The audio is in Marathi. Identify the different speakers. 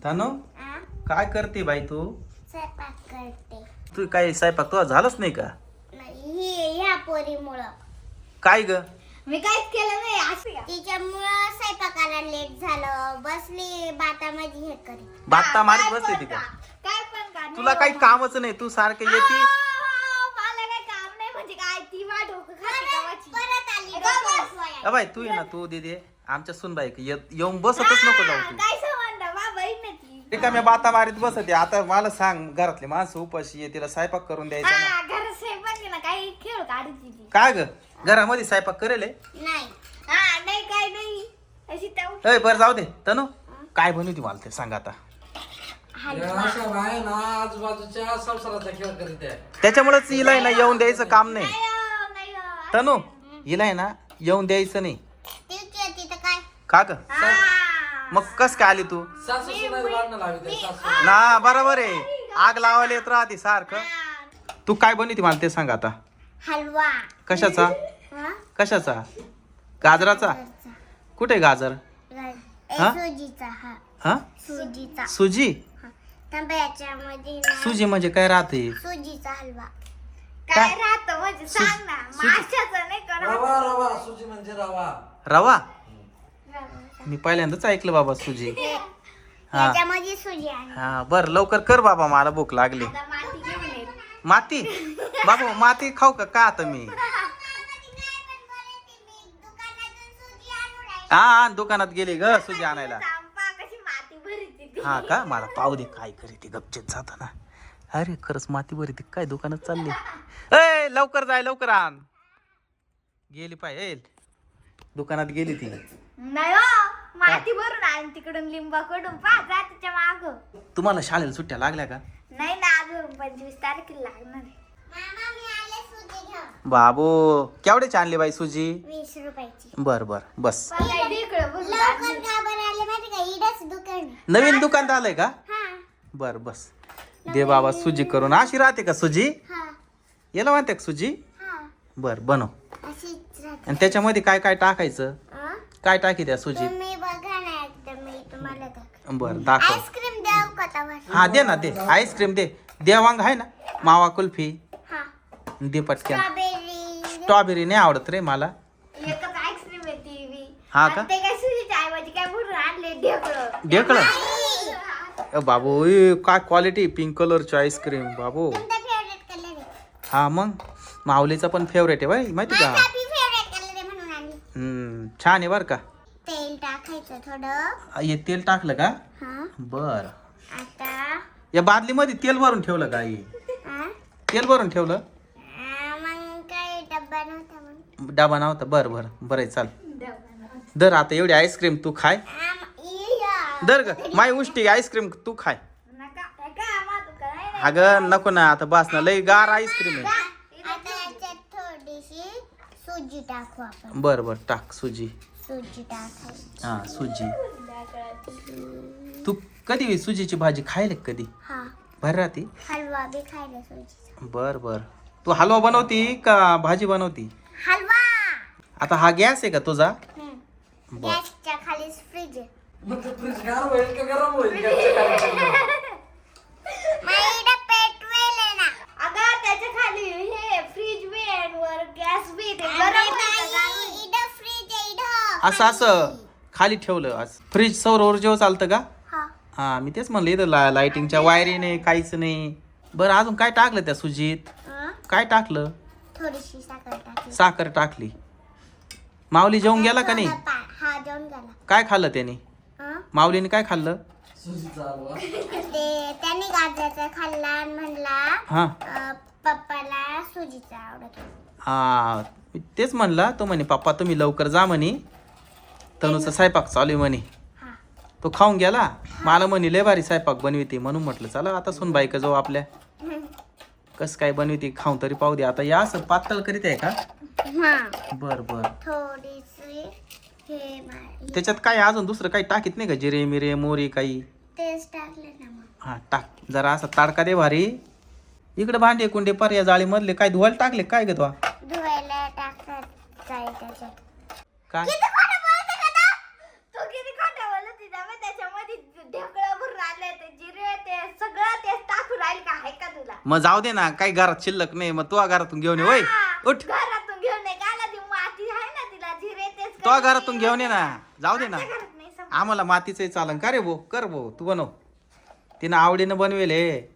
Speaker 1: तनु काय करते बाई तू?
Speaker 2: स्वयंपाक करते.
Speaker 1: तू काय स्वयंपाक तुझा झालंच नाही का?
Speaker 2: नाही ह्या पोरीमुळं.
Speaker 1: काय ग?
Speaker 3: मी काहीच केलं नाही असं.
Speaker 2: तिच्यामुळं स्वयंपाकाला लेट झालं. बसली बातामध्ये हे करी.
Speaker 1: बात्ता मारीत बसली ती का?
Speaker 3: काय पण का
Speaker 1: तुला काही कामच नाही, तू सारखे येते.
Speaker 3: मला काही काम नाही म्हणजे काय ती वाट डोकं खाते गावाची.
Speaker 2: परत आली.
Speaker 1: बाई तू ये ना, तू दे आमच्या सुनबाई येऊन बसतच नको जाऊ तू.
Speaker 3: काय संबंध बाबा ना ती.
Speaker 1: रिकाम्या बाता मारीत बसते. आता मला सांग, घरातले माणसं उपाशी आहे, तिला स्वयंपाक करून द्यायचा ना.
Speaker 3: हा घर स्वयंपाक ना काही खेळ काढायची ती.
Speaker 1: काय ग घरामध्ये स्वयंपाक करेल?
Speaker 2: नाही.
Speaker 3: हा नाही काय नाही अशी ताऊ.
Speaker 1: बरं जाऊ दे. तनु काय बनवती मला ते सांग आता.
Speaker 4: अशा बाय ना आजूबाजूच्या संसाराचा खेळ करीत आहे.
Speaker 1: त्याच्यामुळेच हिला आहे ना येऊन द्यायचं काम नाही.
Speaker 3: नाही
Speaker 1: तनु हिला आहे ना येऊन द्यायचं नाही.
Speaker 2: तिथं काय?
Speaker 1: का ग? मग कस काय आली तू?
Speaker 4: सासू सुनाई भांडणं लावित आहे, सासू.
Speaker 1: ना बरोबर आहे, आग लावायला येत राहते सारखं. तू काय बनवती मला ते सांग आता.
Speaker 2: हलवा.
Speaker 1: कशाचा?
Speaker 2: हा?
Speaker 1: कशाचा? गाजराचा? कुठे गाजर? हा?
Speaker 2: सुजीचा. हा
Speaker 1: हा
Speaker 2: सुजीचा.
Speaker 1: सुजी?
Speaker 2: तांब्याच्यामध्ये ना
Speaker 1: सुजी म्हणजे काय राहते?
Speaker 2: सुजीचा हलवा.
Speaker 3: काय राहतं म्हणजे सांग ना. माशाचं नाही का
Speaker 4: रवा रवा सुजी म्हणजे रवा.
Speaker 1: रवा? मी पहिल्यांदाच ऐकलं बाबा सुजी. हा
Speaker 2: त्याच्यामध्ये सुजी आहे.
Speaker 1: हा बर लवकर कर बाबा, मला भूक लागली.
Speaker 3: आता माती घेऊन ये.
Speaker 1: माती? बाबू माती खाऊ का आता मी? हा दुकानात गेली ग सुजी आणायला.
Speaker 3: सांपा कशी माती भरीती ती.
Speaker 1: हा का? मला पाहू दे काय करी ती गपचेत जाताना. अरे खरंच माती बरी ती काय दुकानात चालली. ए लवकर जाय, लवकर आण. गेली पाय दुकानात गेली ती.
Speaker 3: नाही हो माती भरून आणि तिकडून लिंबाकडून पा जा तिच्या माग.
Speaker 1: तुम्हाला शाळेला सुट्ट्या लागल्या का?
Speaker 3: नाही ना अजून 25 तारखेला लागणार आहे.
Speaker 2: मामा मी आले सुजी घेऊन.
Speaker 1: बाबू केवढ्याची आणली बाई सुजी?
Speaker 2: 20 रुपयाची.
Speaker 1: बर बर बस.
Speaker 3: पण काय ढेकळं भरून
Speaker 2: लवकर
Speaker 3: आणली.
Speaker 2: का बरं आले माहिती का? इडच दुकान आहे.
Speaker 1: नवीन दुकान आलंय का?
Speaker 2: हा
Speaker 1: बर बस. दे बाबा सुजी करून. अशी राहते का सुजी?
Speaker 2: हा
Speaker 1: याला म्हणते का सुजी?
Speaker 2: हा
Speaker 1: बर बनव.
Speaker 2: अशीच राहते.
Speaker 1: आणि त्याच्यामध्ये काय काय टाकायचं?
Speaker 2: हा?
Speaker 1: काय टाकी त्या सुजीत?
Speaker 2: तुम्ही बघा ना एकदा मी तुम्हाला दाखव.
Speaker 1: बर दाखव.
Speaker 2: आईस्क्रीम द्याव का तवा?
Speaker 1: हा दे ना दे, आईस्क्रीम दे. देवांग आहे ना, मावा कुल्फी
Speaker 2: हा
Speaker 1: दे पटक्यान.
Speaker 2: स्ट्रॉबेरी.
Speaker 1: स्ट्रॉबेरी नाही आवडत रे मला.
Speaker 3: एकच आईस्क्रीम आहे ती बी.
Speaker 1: हा का?
Speaker 3: आणि ते काय सुजीच्या ऐवजी काय भरून आणले ढेकळं.
Speaker 1: ढेकळं? बाबू ए, काय क्वालिटी. पिंक कलरची आईस्क्रीम बाबू.
Speaker 2: तुमचा फेवरेट कलर आहे.
Speaker 1: हा मग माऊलीचा पण फेवरेट आहे बाई, माहिती का?
Speaker 2: माझा बी फेवरेट कलर आहे म्हणून आणली.
Speaker 1: छान आहे बर का.
Speaker 2: तेल टाकायचं थोडं.
Speaker 1: हे तेल टाकलं का?
Speaker 2: हा
Speaker 1: बर.
Speaker 2: आता
Speaker 1: या बादलीमध्ये तेल भरून ठेवलं का आई?
Speaker 2: हा?
Speaker 1: तेल भरून ठेवलं?
Speaker 2: मग काय डब्बा नव्हता मग.
Speaker 1: डबा नव्हता. बर बर बरं आहे, चाल. दर आता एवढी आईस्क्रीम तू खाय. दर ग माय उष्टी आईस्क्रीम तू खाय.
Speaker 3: नका नका आम्हा दुकान आहे ना.
Speaker 1: अगं नको ना आता, बस ना, लई गार आईस्क्रीम आहे.
Speaker 2: आता याच्यात थोडीशी सुजी टाकू आपण.
Speaker 1: बर बर टाक सुजी.
Speaker 2: सुजी टाकायची.
Speaker 1: हा सुजी. तू कधी सुजीची भाजी खायला का कधी?
Speaker 2: हा
Speaker 1: भर राहते.
Speaker 2: हलवा बी खायला सुजीचा.
Speaker 1: बर बर. तू हलवा बनवती का भाजी बनवती?
Speaker 2: हलवा.
Speaker 1: आता हा गॅस आहे का तुझा? बर.
Speaker 2: गॅसच्या खालीच फ्रीज आहे.
Speaker 4: मग ते फ्रीज गार होईल का गरम होईल गॅसच्या खाली?
Speaker 2: माझ्या पेटवेल आहे ना.
Speaker 3: अगं त्याच्या खाली हे फ्रीज बी आहे वर गॅस बी ते
Speaker 2: अरे
Speaker 3: गरम
Speaker 2: बाई, इथं फ्रीज आहे इथं.
Speaker 1: असं असं खाली ठेवलं असं. फ्रीज सौर ऊर्जेवर चालतं का?
Speaker 2: हा.
Speaker 1: हा मी तेच म्हणलं, इथं लाइटिंगच्या वायरी नाही, काहीच नाही. बरं अजून काय टाकलं त्या सुजीत? काय टाकलं?
Speaker 2: थोडीशी साखर टाकली.
Speaker 1: साखर टाकली. माऊली जेवून गेला का नाही?
Speaker 2: हा जेवण गेला.
Speaker 1: काय खाल्लं त्याने?
Speaker 2: हा?
Speaker 1: माऊलीने काय खाल्लं?
Speaker 4: सुजीचा हलवा.
Speaker 2: ते त्याने गाजराचा खाल्ला आणि म्हणला
Speaker 1: हा
Speaker 2: पप्पाला सुजीचा आवडत होता.
Speaker 1: हा मी तेच म्हणला. तो म्हणे पप्पा तुम्ही लवकर जा म्हणे, तनुचा स्वयंपाक चालू आहे म्हणे.
Speaker 2: हा.
Speaker 1: तो खाऊन गेला. मला म्हणे लय भारी स्वयंपाक बनविते, म्हणून म्हटलं चला आता सुन बाईक जाऊ आपल्या. कस काय बनविते खाऊ तरी पाहू दे. आता या असं पातळ करीत आहे का?
Speaker 2: हा.
Speaker 1: बर बर.
Speaker 2: थोडीशी हे
Speaker 1: त्याच्यात काय अजून दुसरं काही टाकीत नाही का? जिरे मिरे मोरी काही?
Speaker 2: तेच टाकले ना मग.
Speaker 1: हा टाक जरा असा ताडका दे भारी. इकडे भांडे कुंडे पर या जाळी मधले काय धुवायला टाकले काय ग?
Speaker 2: धुवायला टाकतात काय त्याच्यात.
Speaker 1: काय
Speaker 3: किती खोटं बोलते का तो? तू किती खोटं बोलत होती ना, मग त्याच्यामध्ये ढेकळं भरून आणलं
Speaker 1: मग जाऊ दे ना काही घरात शिल्लक नाही मग तू घरातून घेऊन ये होय उठ
Speaker 3: घरातून घेऊन ये गाला ती माती आहे ना तिला जिरे तेच
Speaker 1: तो घरातून घेऊन ये ना जाऊ दे ना
Speaker 3: घरात नाही समजत.
Speaker 1: आम्हाला मातीचं चालन का रे भो कर भो तू बनव तिनं आवडीनं बनवेल हे